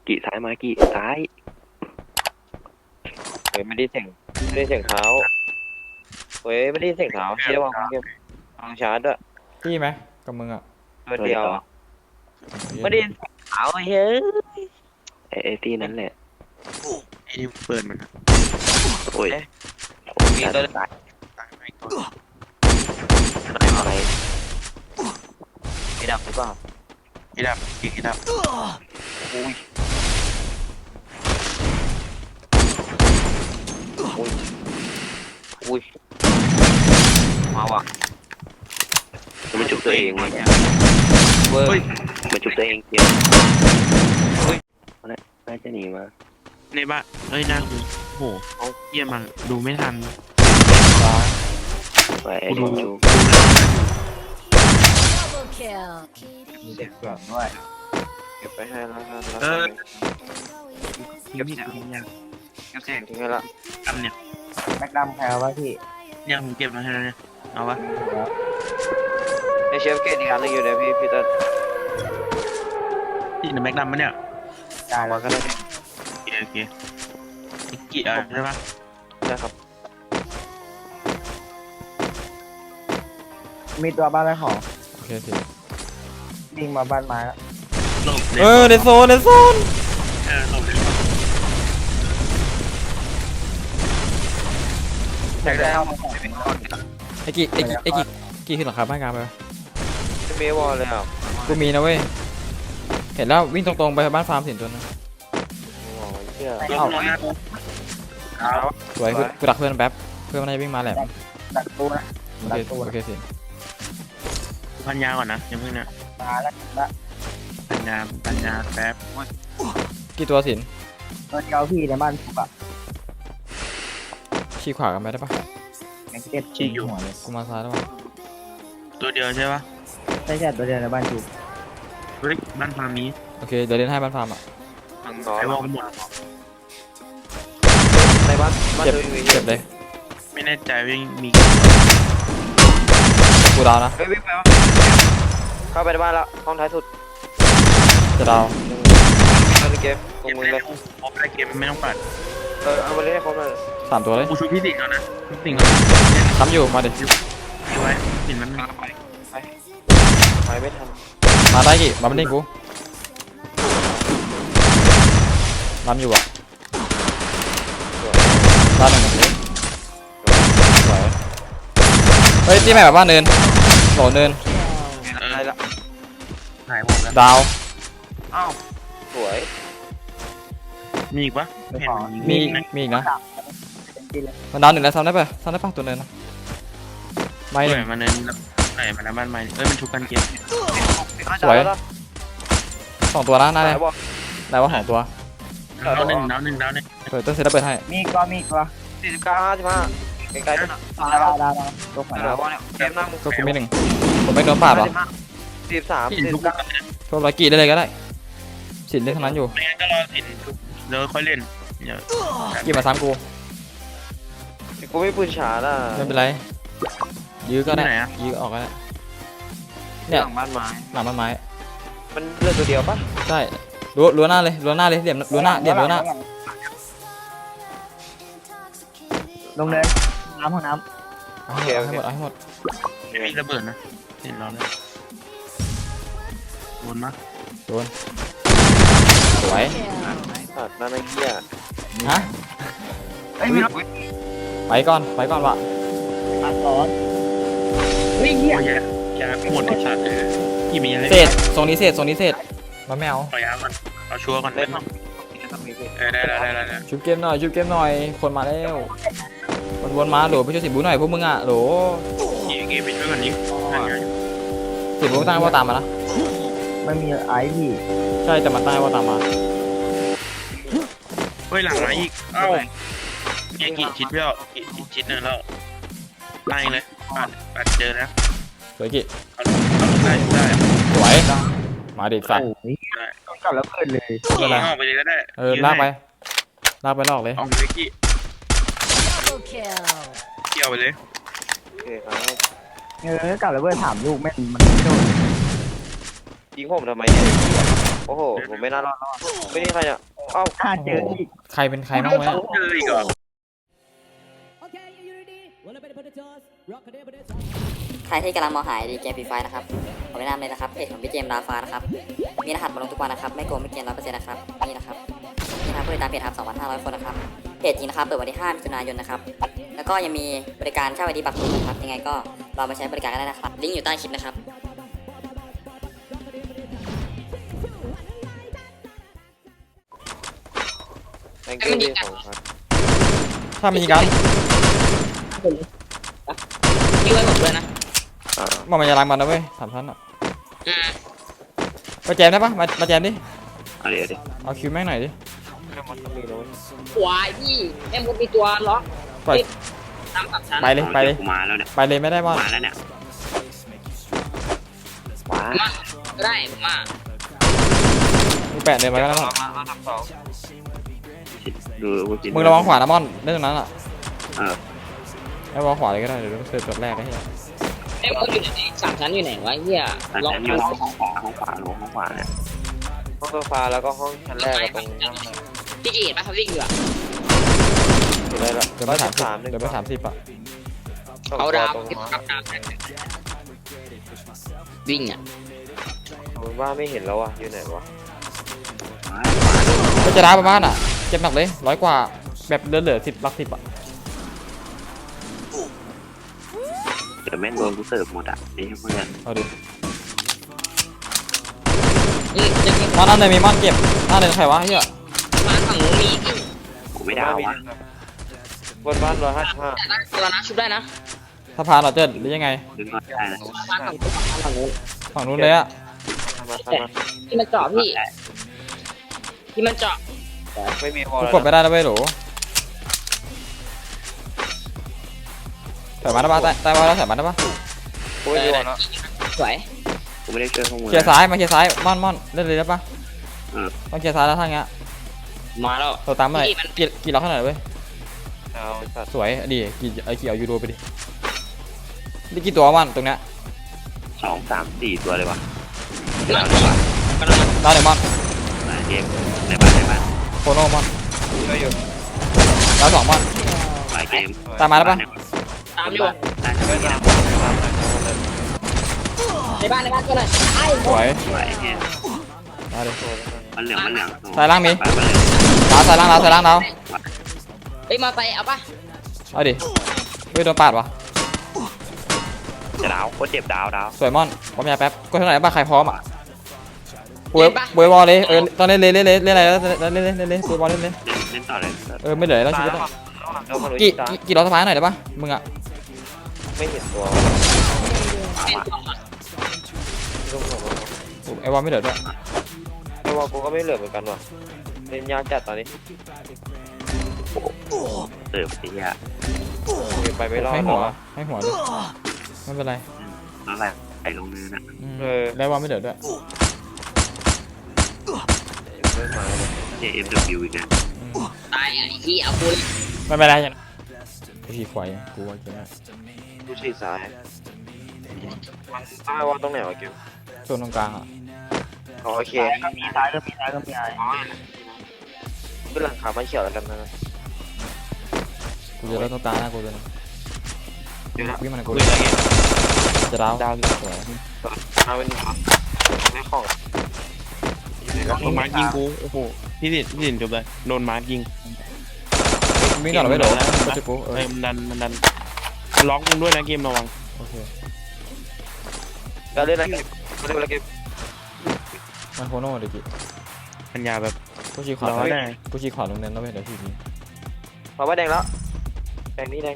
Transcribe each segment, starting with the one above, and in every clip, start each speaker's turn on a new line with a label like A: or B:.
A: กี่ซ้ายมากี่ซ้ายเฮ้ยไม่ได้เสียงเท้าเฮ้ยไม่ได้เสียงเท้าเชี่ยวางเก็บวางชาร์จด้วย
B: พี่ไหมกับมึงอ่ะ
A: ตัวเดียวไม่ได้เท้าเฮ้ยไอ้ตีนั้นแหละ
C: ไอ้นี่เปิดมัน
A: โอ้ยมีตัวตายไหนอะไรไอ้ดับหรือเปล่า
C: ไอ้ดับไอ้ดับ
A: อุ้ยอุ้ยมาว่ะมันจุกตัวเองเนี่ยเว้ยมันจุกตัวเองเดียวเฮ้ยน่าจะหนีมา
C: ในบ้านเอ้ยน่าคือโหเยี่ยมันดูไม่ทัน
A: ไปไอ้จุก
D: เด็กเก่งด้วย
A: เก็บไปให้แล้ว
C: เก็บเสียง
A: เก็บเสียงทิ้งให้ละ
C: กันเนี่ย
D: แม็กดัมแพลวะพี่
C: เนี่ยผมเก็บมาให้แล้วเนี่ยเอาวะ
A: ในเชฟเกตอีกอันนึงอยู่เดี๋ยวพี่ตัด
C: ที่ในแม็กดัมมั้ยเนี่ย
D: ได้แล้ว
A: ก็ได้
C: โอเคกี่ใช่ปะ
A: ใช่ครับ
D: มีตัวบ้านอะไรของ
B: โอเคสิ
D: วิ่งมาบ้านไม้แล้ว
B: ในโซน
C: หลบเลย
A: อยากได้เอา
B: ไอ้กี่ขึ้นหลังคาบ้านกลางไป
A: จะมีวอลเลยอ่ะ
B: กูมีนะเว้ยเห็นแล้ววิ่งตรงๆไปบ้านฟาร์มสินตัวนึงสวยกูดักเพื่อนแป๊บเพื่อนมันจะวิ่งมาแหละ
D: ดักตู้นะ
B: โอเคสิ
C: พันยาก่อนนะยังเพิ่งนะ
D: มาแล้ว
C: ปัญญาแป๊บ
B: กี่ตัวสิน
D: ตัวเดียวพี่ในบ้านผมอะ
B: ชี้ขวากันไปได้ปะ
D: แม็กเก็ตชี้อยู่
B: กูมาซ้ายแล้ว
C: ตัวเดียวใช่ปะ
D: ใช่ตัวเดียวในบ้านจู
C: เฮ้ยบ้านฟาร์มนี้
B: โอเคเดี๋ยวเล่นให้บ้านฟาร์มอ่ะ
C: ไอ้วอลหมด
A: ในบ้าน
B: เจ็บเลย
C: ไม่แน่ใจว่ามี
B: กูดาวนะ
A: เฮ้ยวิ่งไปวะเข้าไปในบ้านแล้วห้องท้ายสุด
B: จะดาว
A: เล่นเกมตรงมือเลย
C: พบได้เกมไม่ต้องปัด
A: เอามาเล่นให้ครบเลย
B: 3 ตัวเลย
C: กูชูพี่สิงห์แล้วนะสิงห์แล้ว
B: ทำอยู่มาดิ
C: ไว้สิงห์มัน
A: ไปไม่ทัน
B: มาได้กี่มาเป็นเด้งกูทำอยู่อ่ะบ้านหนึ่งสวยเฮ้ยที่แม่แบบบ้านเนินโหลเนิน
A: อะไรละ
C: หายหมดแล้ว
B: ดาว
A: อ้าวสวย
C: มีอีกปะ
B: มีอีกนะมันดาว1แล้วซ้ำได้ปะตัวเนินนะไม่
C: เลยมาเนินไหนมาแล้วบ้านใหม่มันชุบกันเกม
B: สวย2 ตัวนะน่าได้ว่า2 ตัว
C: ดาวหนึ่ง
B: เปิดต้นเซตแล้วเปิดให้
D: มีก็
A: 49 55ใกล้ๆนั่นน่ะ
D: ตัวขวา
A: เนี่ยเกมนั่ง
B: ก็กูมี1ผมไม่โดนปาดหรอ
A: 43
B: พวกร้อยกี่ได้เลยก็ได้สินเล่นทั้งนั้นอยู่
C: ไม่งั้นก็รอสินแล้วค่อยเล่น
B: กี่มาซ้ำกู
A: ไม่ปืนฉาล่ะ
B: ไม่เป็นไรยื้อก็ได้ยื้อออกก็ได้
A: เนี่ยหลังบ้านไม้มันเลือกตัวเดียวปะ
B: ใช่รั้วหน้าเลยเดี่ยมรั้วหน้า
D: ลงเลยห้องน้
B: ำให้หมด
C: ไม่มีระเบิดนะเห็นเราเลยโดนมั้ย
B: โดนสวย
A: ตัดนั่นไอ้เหี้ย
B: ฮะไปก่อนวะ
D: ตัดร้อนเฮ้ยเหี้ย
C: แกหมดไอ้สัตว์กี่มีอะไร
B: เศษทรงนี้เศษมาแมว
C: ปล่อยมันเอาชัวร์ก่อนเล่นได้
B: ชุบเกมหน่อยคนมาแล้ววนมาโหลไปช่วยสิบูหน่อยพวกมึงอ่ะโหล
C: เกมไปช่วยกันนี้
B: สิบูตั้งว่าตามมานะ
D: ไม่มีไอพี่
B: ใช่แต่มันตั้งว่าตามมา
C: เฮ้ยหลังมาอีกเอ้ากี่ชิดเปล่ากี่ชิดเนี่ยแล้วไล่เลยปัดเจอแล้ว
B: สวยกี่
C: ได้
B: สวยมาดิสัตว์
D: ต้องกลับแล้วเปิดเลย
C: ออกไปเลยก็ได้
B: ลากไปลอกเลย
C: ออกไปกี่เกี่ยวไปเลย
A: โอเคครับ
D: กลับแล้วเปิดถามลูกแม่มันไม่โดน
A: ยิงผมทำไมเนี่ยโอ้โหผมไม่น่ารอดไม่นี่ใครเนี่ยเอ้า
D: ถ้าเจออีก
B: ใครเป็นใครบ้างวะ
C: เจออีกเหรอ
E: ใครที่กำลังมองหาดีเกมฟรีไฟนะครับขอแนะนำเลยนะครับเพจของพี่เจมส์ดาฟ้านะครับมีรหัสมาลงทุกวันนะครับไม่โกงไม่เกิน 100% นะครับนี่นะครับนี่นะครับผู้ติดตามเพจครับ 2,500 คนนะครับเพจจริงนะครับเปิดวันที่ 5 มิถุนายนนะครับแล้วก็ยังมีบริการเช่าไอดีบัตรนะครับยังไงก็ลองมาใช้บริการกันได้นะครับลิงก์อยู่ใต้คลิปนะครับ
A: แตงกิ้วที่ของครับ
B: ถ้ามีกัน
E: พี่ไว้ผมด้วยนะ
B: มันจะล้างมันนะเว้ย3 ชั้นอ่ะมาแจมได้ปะมาแจมดิ
A: เดี๋ยว
B: เอาคิวแม่งหน่อยดิ
A: มันต้องมีเลย
E: วายพี่แม่มดมีตัวล็อก
B: ปล่อย
E: ตามกับฉัน
B: ไปเลยไปเลย
A: มาแล้วเนี่ย
B: ไปเลยไม่ได้บอล
A: มาแล้วเนี่ยว้า
E: มาก็ได้มา
B: มึงแปะเดินมาก็ได้บอล
A: ดู
B: มึงระวังขวานะมอนเล่นตรงนั้นอ่ะ
A: เออ
B: ระวังขวาเลยก็ได้เดี๋ยวเสิร์ฟจุดแรกได้ที่
E: แม่มดอยู่ไหนสามชั้นอยู่ไหนวะเฮีย
A: ลองอยู่ห้องขวาห้องขวาเนี่ยห้องโซฟาแล้วก็ห้องชั้นแรกกับตรงนั้น
E: พี่จีเห็นปะเขาวิ่งอยู่อะ
A: อะไรละ
B: เดินไป30เดินไป30อ่ะ
E: เอาดาว
A: ตรง
E: ที่
A: มา
E: ปักดาววิ่งอ่ะ
A: ผมว่าไม่เห็นแล้วอ่ะอยู่ไหนวะ
B: ก็จะร้าประมาณอ่ะเจ็บหนักเลย100 กว่าแบบเหลือ10 ลัก 10อ่ะ
A: เดี๋ยวแม่งโดนกูเสิร์ฟหมดอ่ะนี่เพื่อน
B: เอาดิ
E: นี่จะมี
B: มอนนั่นเลยมีมอนเก็บนั่นเลยใครวะเฮีย
E: บ้านฝั่งนู้นมีพี่
A: กูไม่ได้วะบนบ้าน155
E: แต่ได้ตัวนะชุบได้นะ
B: สะพานเหรอเจิ้นหรือยังไง
A: ดึงก่อนได้นะ
E: บ้านฝั่งนู้น
B: ฝั่งนู้นเลยอ่ะ
A: มา
E: ที่มันเจาะพี่ที่มันเจาะ
A: ไม่มีวอล
B: กู
A: แล้ว
B: กดไม่ได้แล้วเว้ยโหลใส่มาได้ปะใต้มาแล้วใส่มาได้ปะ
A: กูไม่มีวอลแล้ว
E: สวย
A: กูไม่ได้ช่วยข้อมูล
B: เคลียร์ซ้ายมาเคลียร์ซ้ายม่อนเล่นเลยได้ปะต้องเคลียร์ซ้ายแล้วทางเงี้ย
E: มาแล้ว
B: ตัวตามมาหน่อยกี่ล็อกขนาดเว้ย
A: เอาสัตว์
B: สวยดีกี่เอายูโรไปดินี่กี่ตัวมันตรงเนี้ย
A: 2 3 4ตัวเลยวะ
E: กำลังมา
B: ดาวหนึ่งมอน
A: เกมในบ้าน
B: โคโนมอน
A: ช่วยอยู่
B: ดาว2มอน
A: หลายเกม
E: ตามอยู่
A: ได้ช่วยกัน
E: ในบ้านก็เลยไอ้
B: สวย
A: สวยเนี่ย
B: มาดิ
A: มันเหลือง
B: สายล่างมีดาวสายล่างดาว
E: เฮ้ยมาไปเอาปะ
B: เอาดิเฮ้ยโดนปาดวะ
A: จะดาวโคตรเจ็บดาว
B: สวยมอนผมยาแป๊บกดเท่าไหร่บ้าใครพร้อมอ่ะบวยวอลเลยตอนเล่นอะไรแล้วเล่นบวยวอลเล่น
A: เล่นต่อเลย
B: ไม่เหลือแล้วชีวิตกี่ล้อสะพานหน่อยได้ปะมึงอ่ะ
A: ไม่เห็นตัว
B: ไอ้วอลไม่เหลือด้วย
A: ไอ้วอลกูก็ไม่เหลือเหมือนกันว่ะเล่นยากจัดตอนนี้เติบสิอ่ะไปไม่รอด
B: ให้
A: หร
B: หั
A: อ
B: วให้หัวดิไม่เป็นไร
A: นั่นแหละไอ้ลงเนินอ่ะ
B: แล้ววอลไม่เหลือด้วย
A: ไม่มาเลย JFW อีกนะ
E: ตายไอ้ที่เอาคุณ
B: ไม่เป็นไรยังกูขี่ควายกูว่าเก่ง
A: ดูฉีดซ้ายไอ้วอลตรงไหนวะเกม
B: ส่วนตรงกลางอ่ะ
A: โอเค
D: มีซ้ายก็มีอะไร
A: ขึ้นหลังขามันเขียวแล้วกันนะ
B: กูจะเล่นตรงกลางนะกูจะวิ่งมันกู
A: คุยอะไรเงี้ย
B: จะดาว
A: ดาว
B: สวย
A: เอาเป็นไม่ของ
C: โดนมาร์คยิงกูโอ้โหพี่สินจบเลยโดนมาร์คยิง
B: วิ่งก่อนไม่โดนกูจะกู
C: มันดันล็อกมึงด้วยนะเกมระวัง
B: โอเค
A: การเล่นอะไรเกม
B: มันโคโน่เด็ก
C: ปัญญาแบบ
B: กูชี้ขวา
C: ร้อยได้
B: กูชี้ขวาลงเน้นแล้วเว้ยเดี๋ยวทีนี้
A: มาว่าแดงแล้วแดงนี่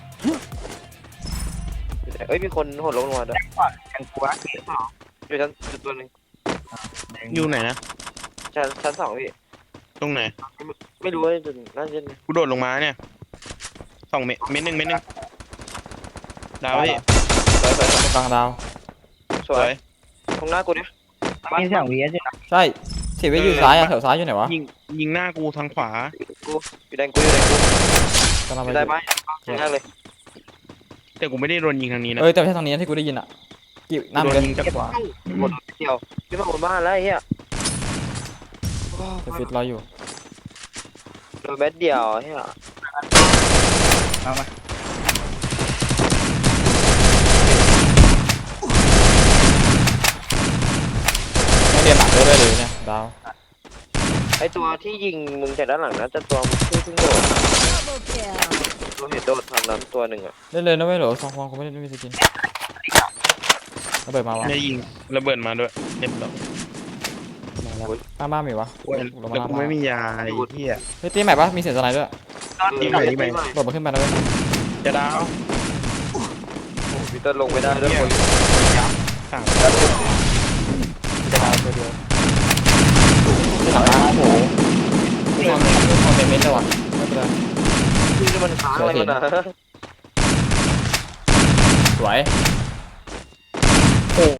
A: เอ้ยมีคนโหดลงมาด้วย
D: กันกลัวเกลียด
A: อยู่ชั้นจุดตัวนึง
C: อยู่ไหนนะ
A: ชั้น2พี่
C: ตรงไหน
A: ไม่รู้ว่าจุดน่าจะ
C: กูโดดลงมาเนี่ย2 เม็ดหนึ่งดาวพี่
A: สวย
B: ตรงกลางดาว
A: สวยตรงหน้ากูเนี่ย
D: มีเสียงวีใช่ไหม
B: ใช่เสียไว้อยู่ซ้ายอ่ะแถวซ้ายอยู่ไหนวะ
C: ยิงหน้ากูทางขวา
A: กูอยู่แดงกู
B: กำลังไป
A: ได้ไหมง่ายเลย
C: แต่กูไม่ได้โดนยิงทางนี้นะ
B: แต่ไม่ใช่ทางนี้ที่กูได้ยินอ่ะกี่
C: กูโด
B: น้ำ
C: น
B: เลย
C: ยิงจากขวา
A: หมดเที่ยวขึ้นมาบนบ้านแล้วไอ้เหี้ย
B: จะฟิตรออยู่
A: โดนแบตเดียวใช่ไหม
D: เอามา
B: ไม่เรียนหนักด้วยเลยเนี่ยดาว
A: ไอตัวที่ยิงมึงจากด้านหลังนะจะตัวมึงเพิ่งโดดตัวเห็นโดดทางนั้นตัวหนึ่งอ่ะ
B: เล่นเลยนะไม่เหรอสองฟองกูไม่ได้ไม่มีสกินระเบิดมาวะ
C: ได้ยิงระเบิดมาด้วยเรียบร้อย
B: หน้าบ้านมีวะ
C: โอ้ยแล้วกูไม่มียาไอ้เหี้ย
B: เฮ้ยตีใหม่ปะมีเสียงสไนด์ด้วย
C: ยิงไหนยิงไหน
B: โดดมาขึ้นไปนะเว้ย
C: จะดาว
A: พี่ต้นลงไม่ได้ด้วยคน
C: ต่าง
B: จะดาวตัวเดียวที่หลังบ้านโอ้โหไม่ทำเมนต์เลยวะไม่เป็นไร
A: ที่มันค้างอะไรมันอ่ะ
B: สวย